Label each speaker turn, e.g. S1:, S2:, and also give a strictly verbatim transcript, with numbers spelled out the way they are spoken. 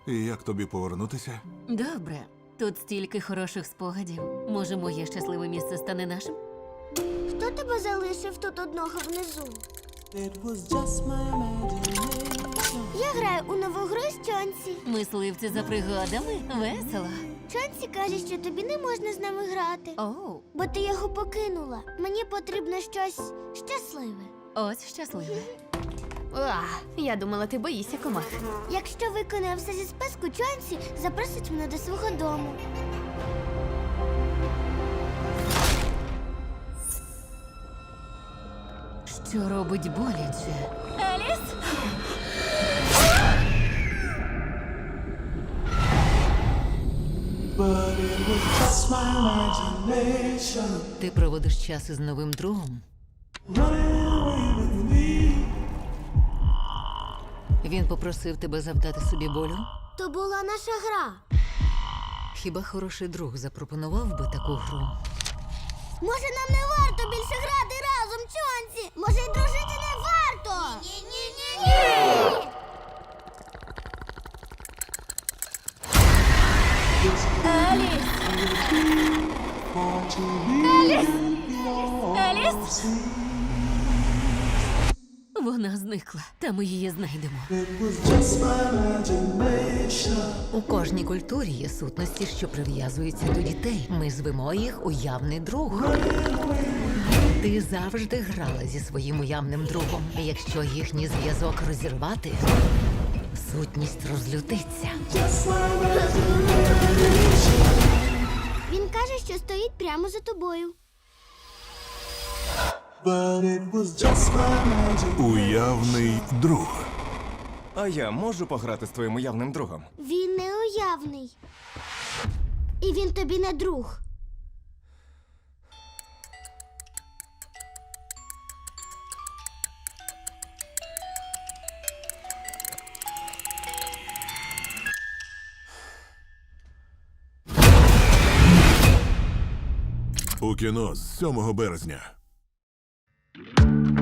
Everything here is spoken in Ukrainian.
S1: І як тобі повернутися?
S2: Добре. Тут стільки хороших спогадів. Може, моє щасливе місце стане нашим?
S3: Хто тебе залишив тут одного внизу?
S4: It was just my imagination.
S3: Я граю у нову гру з Чонсі.
S2: Мисливці за пригодами? Весело.
S3: Чонсі каже, що тобі не можна з нами грати,
S2: Оу,
S3: бо ти його покинула. Мені потрібно щось щасливе.
S2: ось щасливе. А, я думала, ти боїшся комах.
S3: Якщо виконаю все зі списку, Чонсі запросить мене до свого дому.
S2: Що робить боляче? Еліс?
S4: But it was just my imagination.
S2: Ти проводиш час із новим другом.
S4: Running away with me.
S2: Він попросив тебе завдати собі болю?
S3: То була наша гра.
S2: Хіба хороший друг запропонував би таку гру?
S3: Може, нам не варто більше грати разом, Чонсі? Може, й дружити не варто? Ні-ні-ні-ні!
S4: For to be
S2: Еліс? Вона зникла, та ми її знайдемо.
S4: It was just my imagination.
S2: У кожній культурі є сутності, що прив'язуються до дітей. Ми звемо їх уявний друг. Ти завжди грала зі своїм уявним другом. І якщо їхній зв'язок розірвати, сутність розлютиться.
S4: Just my imagination.
S3: Він каже, що стоїть прямо за тобою.
S4: But it was just my imagination.
S1: Уявний друг.
S5: А я можу пограти з твоїм уявним другом?
S3: Він не уявний. І він тобі не друг.
S1: У кіно з сьомого березня.